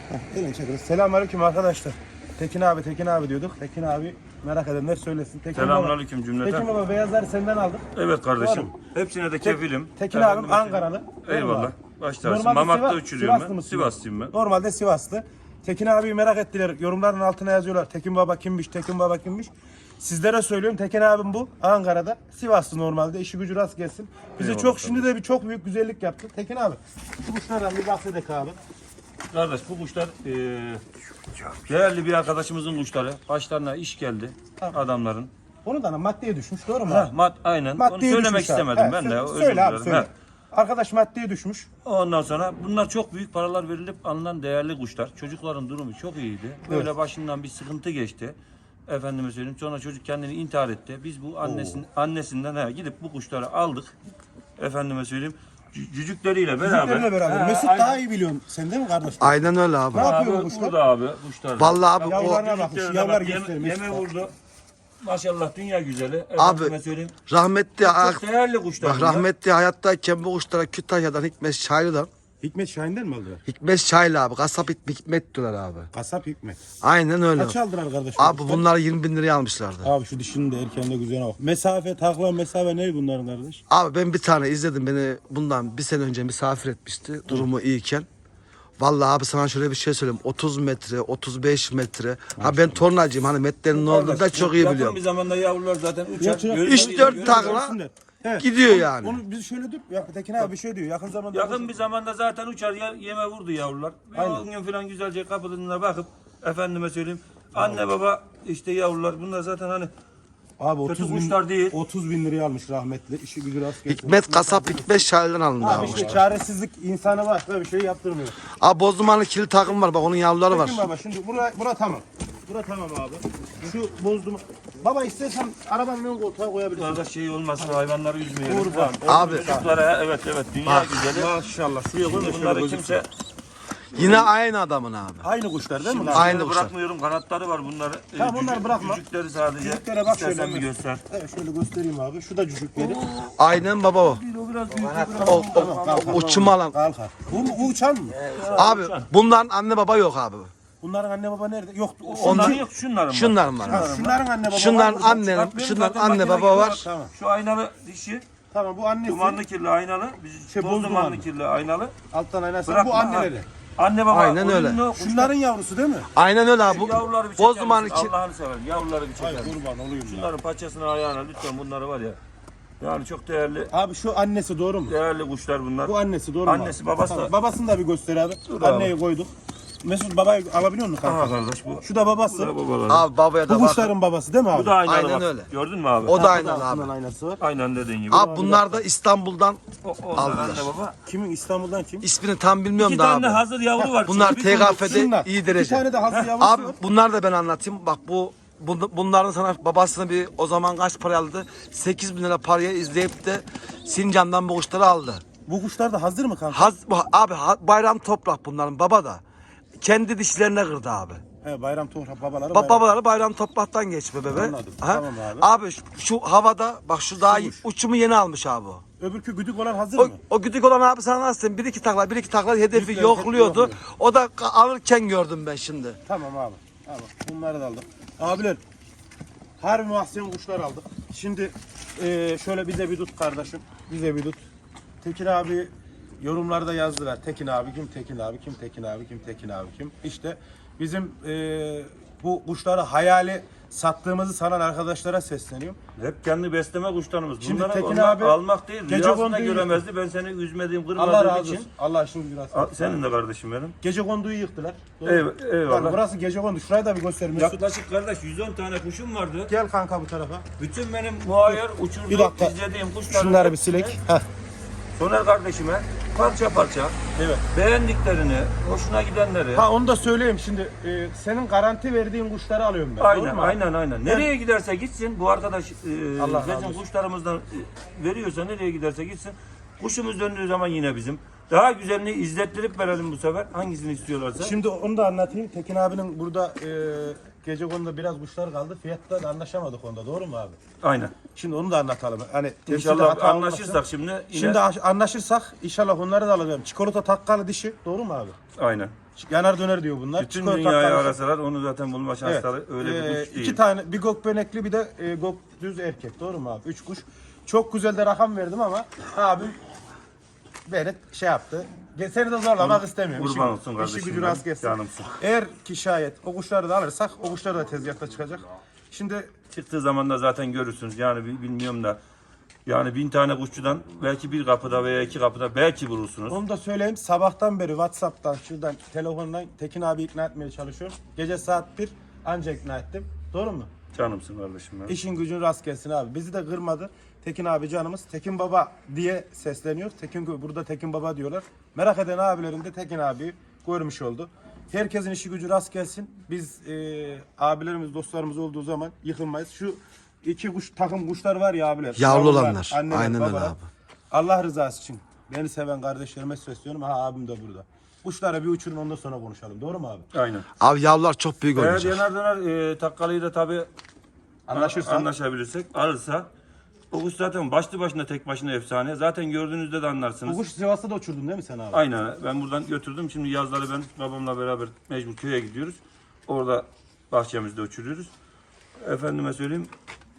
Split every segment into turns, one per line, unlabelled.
Elini çekeriz. Selamünaleyküm arkadaşlar. Tekin abi diyorduk. Tekin abi merak edenler söylesin.
Selamünaleyküm cümleten.
Tekin baba beyazları senden aldık.
Evet kardeşim.
Doğru.
Hepsine de kefilim.
Tekin abim Ankaralı.
Eyvallah. Başlarsın.
Normalde
Mamak'ta
Sivas-
uçuruyorum
Sivaslı
ben.
mısın?
Sivaslıyım ben.
Normalde Sivaslı. Tekin abiyi merak ettiler. Yorumların altına yazıyorlar. Tekin baba kimmiş? Tekin baba kimmiş? Sizlere söylüyorum. Tekin abim bu. Ankara'da. Sivaslı normalde. İşi gücü rast gelsin. Bize
Eyvallah
çok şimdi de çok büyük güzellik yaptı. Tekin abi. Şu kuşlardan bir bahsedelim abi.
Kardeş bu kuşlar değerli bir arkadaşımızın kuşları. Başlarına iş geldi adamların.
Onu da maddeye düşmüş. Doğru mu?
Aynen. Onu
Maddeye
söylemek
düşmüş abi.
istemedim
He,
ben de. Özür
söyle abi
dilerim.
söyle.
He.
Arkadaş maddeye düşmüş.
Ondan sonra bunlar çok büyük paralar verilip alınan değerli kuşlar. Çocukların durumu çok iyiydi. Böyle başından bir sıkıntı geçti. Efendime söyleyeyim. Sonra çocuk kendini intihar etti. Biz bu annesinden gidip bu kuşları aldık. Efendime söyleyeyim. Cücükleriyle beraber.
Bizimlerle beraber. Mesut
aynen.
daha iyi biliyorsun. Sen değil mi kardeş?
Aynen öyle abi.
Ne yapıyor bu
Abi,
kuşlar?
burada abi kuşlar.
Vallahi abi o
Yavrularına bak.
Cücüklerine
Yavrular
bak,
göstermiş.
Yeme vurdu. Maşallah dünya güzeli.
Abi,
Efendime söyleyeyim.
rahmetli
Çok değerli kuşlar.
bak
bunlar.
rahmetli hayattayken bu kuşlara Kütahya'dan Hikmet Şahin'den
Hikmet Şahin'den mi aldılar?
Hikmet Şahin abi kasap Hikmet diyorlar abi.
Kasap Hikmet.
Aynen öyle.
Kaç aldılar kardeş?
Abi bunları 20 bin liraya almışlardı.
Abi şu dişinin de erkeğinde güzel bak. Mesafe, takla mesafe ne bunların kardeş?
Abi ben bir tane izledim, beni bundan bir sene önce misafir etmişti durumu iyiyken. Vallahi abi sana şöyle bir şey söyleyeyim. 30 metre, 35 metre. Ha ben tornacıyım, hani metrenin ne olduğunu da çok iyi
Yakın
biliyorum.
bir zamanda yavrular zaten uçar.
Uçar.
Görüyor-
3-4 takla
Evet.
gidiyor yani.
Onu biz şöyle dur. Ya Tekin abi bir şey diyor. Yakın zamanda
Yakın bir zamanda zaten uçar yeme vurdu yavrular.
Aynen.
10 gün falan güzelce kapılarına bakıp efendime söyleyeyim. Anne baba işte yavrular bunlar zaten hani
abi
kötü
30 bin,
kuşlar değil.
30 bin liraya almış rahmetli. İşi gücü rast gelsin.
Hikmet kasap Hikmet Şahin'den alındı
Abi
abi.
işte çaresizlik insanı var. Böyle bir şey yaptırmıyor.
Abi Bozdumanlı kili takım var, bak onun yavruları var.
Tekin baba şimdi bura tamam. Bura tamam abi. Şu bozdum. Baba istersen arabanın ön koltuğa koyabilirsin.
Bunlarda şey olmasın hayvanları üzmeyelim.
Kurban.
Abi
Çocuklara evet dünya güzeli.
Maşallah. Şuraya koy.
Şimdi bunları kimse
yine aynı adamın abi.
Aynı kuşlar değil mi? lan?
Aynı
bunları
kuşlar.
bırakmıyorum. Kanatları var bunları.
Tamam, bunları bırakma.
Cücükleri sadece.
Cücüklere bak
İstersen
şöyle.
bir göster.
Evet şöyle göstereyim abi. Şu da cücükleri.
Aynen baba o.
O biraz büyük.
O uçum alan.
Kalkar. Bu uçan mı?
Abi bunların anne baba yok abi.
Bunların anne baba nerede? Yok.
Onların yok şunların var.
Şunların var.
Ha, şunların anne baba
Şunların
var.
anne,
Bak benim
şunların
zaten
anne
makine
baba
gibi
var.
Tamam.
Şu aynalı dişi.
Tamam bu annesi.
Dumanlı kirli aynalı.
Şey,
Toz
boz
dumanlı
dumanlı.
kirli aynalı.
Alttan aynası.
Bırakma,
Bu anneleri.
ha. Anne baba.
Aynen öyle.
oyunlu,
Şunların yavrusu değil mi?
Aynen öyle abi.
Yavruları bir çeker
Bozdumanlı
misin?
ki
Allah'ını severim. Yavruları bir çeker
Hayır
misin?
kurban olayım ya.
Şunların paçasına ayağına lütfen bunları var ya. Yani çok değerli
Abi şu annesi doğru mu?
değerli kuşlar bunlar.
Bu annesi doğru mu?
Annesi,
abi?
babası
Tamam,
da-
babasını da bir göster abi.
Dur abi.
Anneyi koyduk. Mesut babayı alabiliyor musun
Aha
kanka?
kardeş bu.
Şu da babası.
Bu da babaları.
abi babaya
Bu
da bak.
kuşların babası değil mi abi?
Bu da aynalı
Aynen
bak.
öyle.
Gördün mü abi?
O da
Ha,
aynen
altından
abi.
aynası var.
Aynen dediğin gibi.
Abi bunlar da İstanbul'dan
Onlar
aldılar.
anne baba.
Kimin İstanbul'dan kim?
ismini tam bilmiyorum
İki
da
tane
abi.
hazır yavru var.
Bunlar
çünkü bir
TKF'de
Şunlar.
iyi
Bir
derece.
tane de hazır yavrusu
Abi
var.
bunlar da ben anlatayım. Bak bunların sana babasını bir o zaman kaç para aldı? 8 bin lira paraya izleyip de Sincan'dan bu kuşları aldı.
Bu kuşlar da hazır mı kanka?
Abi bayram toprak bunların baba da. Kendi dişlerine kırdı abi.
He, bayram toprak babaları. bayram.
Babaları bayram topraktan geçme bebe.
Anladım.
Ha?
Tamam abi.
Abi şu havada bak şu daha uçumu yeni almış abi o.
Öbürkü güdük olan hazır
O,
mı?
o güdük olan abi sana nasıl diyeyim? Bir iki takla hedefi
Yükler,
yokluyordu.
yokluyor.
O da alırken gördüm ben şimdi.
Tamam abi. Tamam. Bunları da aldık. Abiler. Harbi muhsen kuşlar aldık. Şimdi şöyle bize bir tut kardeşim. Bize bir tut. Tekin abi yorumlarda yazdılar. Tekin abi kim? Tekin abi kim? Tekin abi kim? Tekin abi kim? İşte bizim bu kuşları hayali sattığımızı sanan arkadaşlara sesleniyorum.
Hep kendi besleme kuşlarımız.
Şimdi
Bunları
Tekin
onlar
abi
almak değil.
gece
Rüyasında
konduyu-
göremezdi. Ben seni üzmediğim,
Allah
kırmadığım
razı
için.
olsun. Allah şimdi biraz.
Senin de kardeşim benim.
Gece konduyu yıktılar. Doğru mu?
Eyvallah.
Yani burası gece kondu. Şurayı da bir göster Mesut.
Yaklaşık kardeş 110 tane kuşum vardı.
Gel kanka bu tarafa.
Bütün benim muayyer
Bir
uçurduğum,
dakika.
izlediğim kuşları
Şunları bir silek. Heh.
Soner kardeşime parça parça
Evet.
beğendiklerini, hoşuna gidenleri.
Ha onu da söyleyeyim şimdi. Senin garanti verdiğin kuşları alıyorum ben. Doğru mu?
Aynen. Nereye giderse gitsin bu arkadaş
Allah razı
bizim
olsun.
kuşlarımızdan veriyorsa nereye giderse gitsin. Kuşumuz döndüğü zaman yine bizim. Daha güzelini izlettirip verelim bu sefer. Hangisini istiyorlarsa.
Şimdi onu da anlatayım. Tekin abinin burada gece konuda biraz kuşlar kaldı. Fiyatta da anlaşamadık onda. Doğru mu abi?
Aynen.
Şimdi onu da anlatalım. Hani temsilde
İnşallah
hata
anlaşırsak
olmasın.
şimdi yine.
Şimdi anlaşırsak inşallah onları da alacağım. Çikolata takkalı dişi. Doğru mu abi?
Aynen.
Yanar döner diyor bunlar.
Bütün
Çikolata
dünyayı
karışık.
arasalar onu zaten bulma şansları
Evet.
öyle bir kuş değil.
2 tane, bir gökbenekli bir de gök düz erkek. Doğru mu abi? 3 kuş. Çok güzel de rakam verdim ama abim beni şey yaptı. Seni de zorlamak istemiyorum.
Kurban olsun kardeşim.
İşi gücü rast gelsin.
Canımsın.
Eğer ki şayet o kuşları da alırsak o kuşlar da tezgahta çıkacak. Şimdi
Çıktığı zaman da zaten görürsünüz. Yani bilmiyorum da yani 1000 tane kuşçudan belki bir kapıda veya 2 kapıda belki vurursunuz.
onu da söyleyeyim. Sabahtan beri WhatsApp'tan, şuradan, telefondan Tekin abi ikna etmeye çalışıyorum. Gece saat 1 anca ikna ettim. Doğru mu?
Canımsın kardeşim. Ya.
İşin gücün rast gelsin abi. Bizi de kırmadı. Tekin abi canımız. Tekin Baba diye sesleniyor. Burada Tekin Baba diyorlar. Merak eden abilerim de Tekin abi görmüş oldu. Herkesin işi gücü rast gelsin. Biz abilerimiz, dostlarımız olduğu zaman yıkılmayız. Şu iki takım kuşlar var ya abiler.
Yavru
Yavrular,
olanlar.
anneler,
Aynen öyle
babalar.
abi.
Allah rızası için beni seven kardeşlerime sesleniyorum. Ha abim de burada. Kuşlara bir uçurun ondan sonra konuşalım. Doğru mu abi?
Aynen.
Abi yavrular çok büyük
Eğer
olacak.
yanar döner takkalıyı da tabii anlaşabilirsek alırsa o kuş zaten başlı başına tek başına efsane. Zaten gördüğünüzde de anlarsınız.
Bu kuş Sivas'ta da uçurdun değil mi sen abi?
Aynen. Ben buradan götürdüm. Şimdi yazları ben babamla beraber mecbur köye gidiyoruz. Orada bahçemizde uçuruyoruz. Efendime söyleyeyim.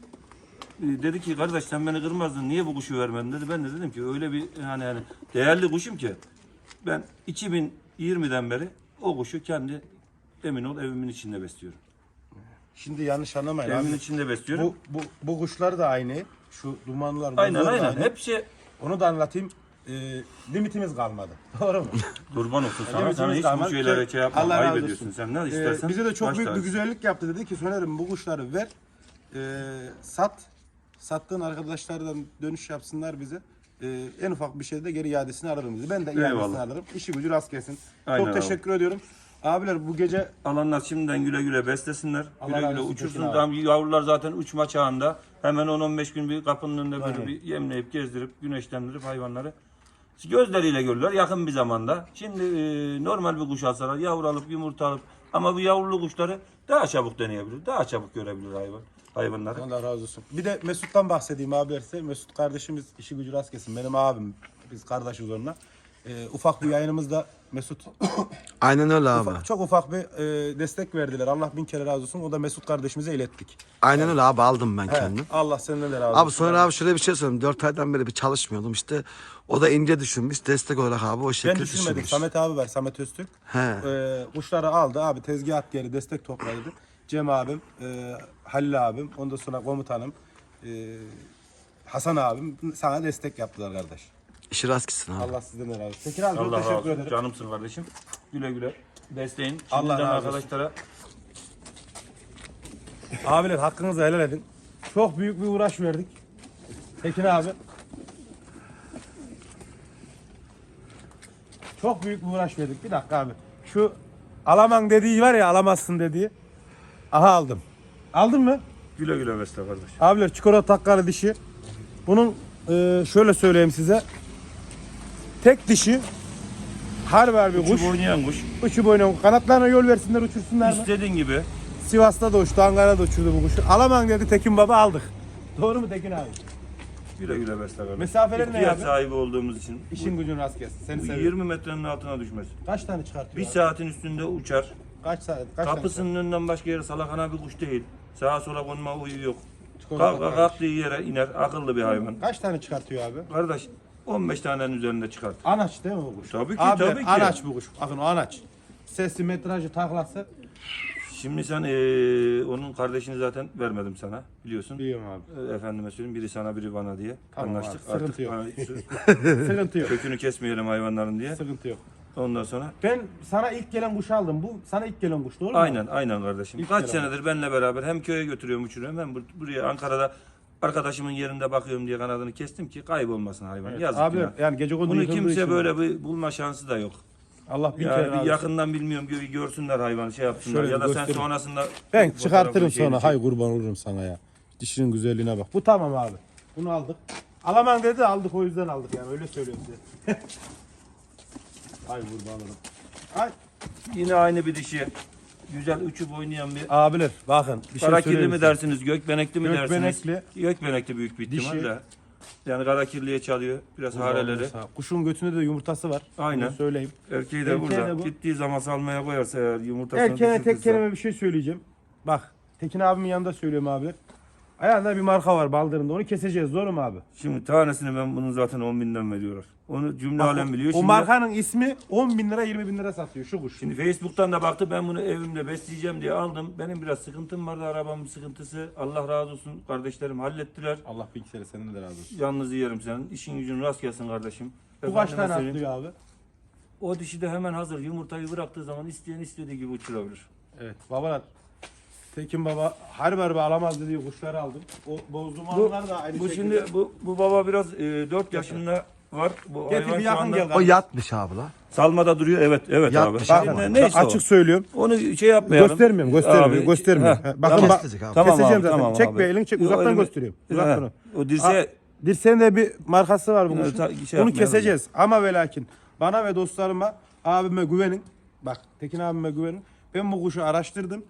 Dedi ki kardeş sen beni kırmazdın. Niye bu kuşu vermedin dedi. Ben de dedim ki öyle bir hani değerli kuşum ki ben 2020'den beri o kuşu kendi emin ol evimin içinde besliyorum.
Şimdi yanlış anlamayın
Evimin
abi.
içinde besliyorum.
Bu kuşlar da aynı. Şu dumanlar.
Aynen
bunlar da
aynen.
aynı.
Hepsi
Onu da anlatayım. Limitimiz kalmadı. Doğru mu?
kurban olsun sana.
Limitimiz
Sana hiç
kalmadı
bu şeylere
ki
şey yapma.
Allah razı
Ayıp
olsun.
ediyorsun. Sen ne istersen.
Bize de çok
baş
büyük bir
tacısın.
güzellik yaptı. Dedi ki Soner'im bu kuşları ver. Sat. Sattığın arkadaşlardan dönüş yapsınlar bize. En ufak bir şeyde geri iadesini alırım dedi. Ben de iadesini
Eyvallah.
alırım. İşi gücü rast gelsin.
Aynen
Çok
abi.
teşekkür ediyorum. Abiler bu gece
Alanlar şimdiden güle güle beslesinler.
Allah
Güle
razı
güle
olsun
uçursun.
Tekin abi.
Tam yavrular zaten uçma çağında. Hemen 10-15 gün bir kapının önünde böyle
Aynen.
bir yemleyip gezdirip güneşlendirip hayvanları gözleriyle görürler yakın bir zamanda. Şimdi normal bir kuş alsalar yavru alıp yumurta alıp ama bu yavrulu kuşları daha çabuk deneyebilir. Daha çabuk görebilir hayvanları.
Allah razı olsun. Bir de Mesut'tan bahsedeyim abiler size. Mesut kardeşimiz işi gücü rast gelsin. Benim abim. Biz kardeşiz onunla. Ufak bir yayınımızda Mesut
Aynen öyle abi.
çok ufak bir destek verdiler. Allah bin kere razı olsun. O da Mesut kardeşimize ilettik.
Aynen öyle abi aldım ben
He,
kendim.
Allah senden de razı olsun.
Abi sonra abi şöyle bir şey söyleyeyim. 4 aydan beri bir çalışmıyordum işte. O da ince düşünmüş. Destek olarak abi o
Ben
şekilde
düşünmedim.
düşünmüş.
Samet abi var. Samet Öztürk.
He.
Kuşları aldı abi. Tezgah geri destek topladı. Cem abim, Halil abim, ondan sonra komutanım, Hasan abim sana destek yaptılar kardeş.
İşi rast gitsin abi.
Allah sizden de razı olsun. Tekin abi çok
Allah razı
teşekkür
olsun.
ederim.
Canımsın kardeşim. Güle güle besleyin.
Allah
Şimdiden
razı olsun.
arkadaşlara
Abiler hakkınızı helal edin. Çok büyük bir uğraş verdik. Tekin abi. Çok büyük bir uğraş verdik. Bir dakika abi. Şu alamam dediği var ya, alamazsın dediği. Aha aldım. Aldın mı?
güle güle besle kardeş.
Abiler çikolata takkalı dişi. Bunun şöyle söyleyeyim size. Tek dişi. Harbi bir kuş.
Uçup oynayan kuş.
Uçup oynayan. Kanatlarına yol versinler uçursunlar mı?
İstediğin gibi.
Sivas'ta da uçtu, Ankara'da uçurdu bu kuşu. Alamam dedi Tekin Baba, aldık. Doğru mu Tekin abi?
Güle güle besle kardeş.
Mesafeleri ne
İhtiyaç
abi?
sahibi olduğumuz için.
İşin gücün rast gelsin. Seni
Bu
seviyorum.
20 metrenin altına düşmez.
Kaç tane çıkartıyor
Bir
abi?
saatin üstünde uçar.
Kaç saat? Kaç tane
Kapısının önünden başka yere salakana bir kuş değil. Sağa sola konma huyu yok.
çıkartıyor?
Kalktığı yere iner. Akıllı bir hayvan.
Kaç tane çıkartıyor abi?
Kardeş 15 tanenin üzerinde çıkart.
Anaç değil mi bu kuş?
Tabii ki,
Abi,
tabii ki.
Anaç bu kuş. Bakın o anaç. Sesi, metrajı, taklası.
Şimdi sen onun kardeşini zaten vermedim sana biliyorsun.
Biliyorum abi.
Efendime söyleyeyim biri sana biri bana diye
Tamam
anlaştık.
abi, sıkıntı yok.
Artık
Sıkıntı yok.
kökünü kesmeyelim hayvanların diye.
Sıkıntı yok.
Ondan sonra
Ben sana ilk gelen kuşu aldım. Bu sana ilk gelen kuş, doğru mu?
aynen kardeşim.
İlk
Kaç
kere
senedir benimle beraber hem köye götürüyorum uçuruyorum hem buraya Ankara'da arkadaşımın yerinde bakıyorum diye kanadını kestim ki kaybolmasın hayvan. Yazık
Abi
günah.
yani gece kondu
Bunu
yıkıldığı
kimse
için-
böyle bir bulma şansı da yok.
Allah bin kere
Yani
razı
bir
olsun.
yakından bilmiyorum görsünler hayvanı şey yapsınlar
Şöyle
ya da sen
göstereyim.
sonrasında
Ben
fotoğrafını,
çıkartırım
şeyini
sonra.
çek.
Hay kurban olurum sana ya. Dişinin güzelliğine bak. Bu tamam abi. Bunu aldık. Alamam dedi, aldık, o yüzden aldık yani, öyle söylüyorum size. Ay kurban olurum. Ay.
Yine aynı bir dişi. Güzel uçup oynayan bir
Abiler bakın bir şey
karakilli
söyleyeyim
mi
size.
dersiniz, gökbenekli mi
Gökbenekli.
dersiniz? Gökbenekli büyük bir ihtimalle. Yani kara kirliye çalıyor. Biraz hareleri.
Kuşun götünde de yumurtası var.
Aynen.
Bunu söyleyeyim.
Erkeği de
Erkeği
burada.
de bu.
Gittiği zaman salmaya koyarsa eğer yumurtasını
Erkeğe tek
düşürtürse.
kelime bir şey söyleyeceğim. Bak Tekin abimin yanında söylüyorum abiler. Ayağında bir marka var baldırında. Onu keseceğiz. Doğru mu abi?
Şimdi tanesini ben bunun zaten 10.000'den veriyorlar. Onu cümle
Bak,
alem biliyor.
o
Şimdi,
markanın ismi 10.000 lira 20.000 lira satıyor şu kuş.
şimdi Facebook'tan da baktı, ben bunu evimde besleyeceğim diye aldım. Benim biraz sıkıntım vardı, arabamın sıkıntısı. Allah razı olsun, kardeşlerim hallettiler.
Allah bir kere senden de razı olsun.
Yalnız yerim senin. İşin gücün rast gelsin kardeşim.
Bu kaç
Efendime
tane
söyleyeyim,
atlıyor abi?
o dişi de hemen hazır. Yumurtayı bıraktığı zaman isteyen istediği gibi uçurabilir.
Evet babalar. Tekin baba harbi alamaz dediği kuşları aldım. O bozduğum
Bu,
anlar da aynı
bu
şekilde.
şimdi bu baba biraz 4 yaşında var. Bu
Getir
hayvan
bir
şu
yakın
anda
gel.
O yatmış abi la.
salmada duruyor. Evet
Yatmış
abi.
ama.
Neyse
açık
o.
söylüyorum.
Onu şey yapmayalım.
Göstermiyorum.
Heh,
Bakın
tamam.
bak.
Kesecek abi.
Keseceğim zaten.
Tamam
Çek
abi.
bir elini çek.
Yo,
Uzaktan
elimi-
gösteriyorum. Uzaktan.
O dirseğe
Dirseğin de bir markası var bu
Evet,
kuşun.
şey
Bunu
yapmayalım.
keseceğiz. Ama ve lakin bana ve dostlarıma, abime güvenin. Bak Tekin abime güvenin. Ben bu kuşu araştırdım.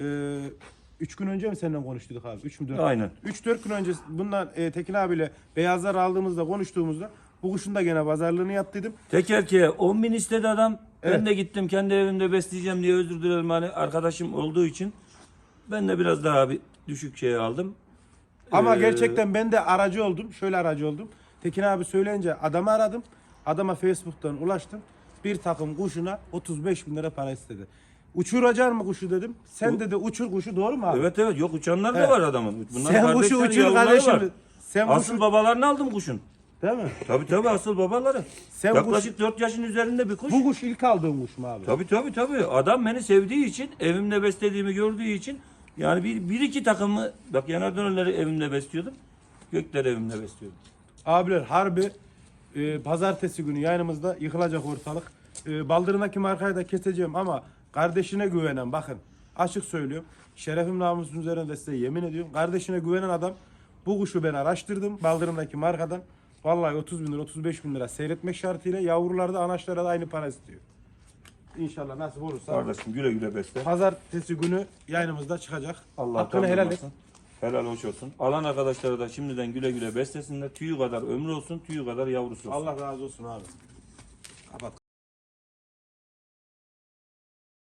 3 gün önce mi seninle konuştuk abi? 3 mü 4?
Aynen.
3-4 gün önce bundan Tekin abiyle beyazlar aldığımızda konuştuğumuzda bu kuşun da gene pazarlığını yaptıydım.
tek erkeğe 10.000 istedi adam.
Evet.
Ben de gittim kendi evimde besleyeceğim diye, özür dilerim hani arkadaşım olduğu için. Ben de biraz daha bir düşük şey aldım.
Ama
Ee,
gerçekten ben de aracı oldum. Şöyle aracı oldum. Tekin abi söyleyince adamı aradım. Adama Facebook'tan ulaştım. Bir takım kuşuna 35.000 lira para istedi. Uçuracak mı kuşu dedim. Sen dedi uçur kuşu, doğru mu abi?
Evet yok, uçanlar da
Evet.
var adamın. Bunlar
Sen kuşu
kardeşler,
uçur
yavruları
kardeşim.
var.
Sen
Asıl
kuşu,
babalarını aldım kuşun.
değil mi?
Tabii asıl babaları.
Sen
Yaklaşık 4 yaşın üzerinde bir kuş.
Bu kuş ilk aldığın kuş mu abi?
Tabii. Adam beni sevdiği için, evimde beslediğimi gördüğü için, yani bir iki takımı, bak yanar dönerleri evimde besliyordum. Gökleri evimde besliyordum.
Abiler harbi pazartesi günü yayınımızda yıkılacak ortalık. Baldırındaki markayı da keseceğim ama kardeşine güvenen, bakın açık söylüyorum. Şerefim namusun üzerinde size yemin ediyorum. Kardeşine güvenen adam, bu kuşu ben araştırdım baldırındaki markadan. Vallahi 30.000 lira 35.000 lira seyretmek şartıyla yavrularda anaçlara da aynı para istiyor. İnşallah nasip olursa.
Kardeşim güle güle besle.
Pazartesi günü yayınımızda çıkacak.
Allah
Hakkını helal et.
Helal hoş olsun. Alan arkadaşlara da şimdiden güle güle beslesinler. Tüyü kadar ömrü olsun, tüyü kadar yavrusu olsun.
Allah razı olsun abi.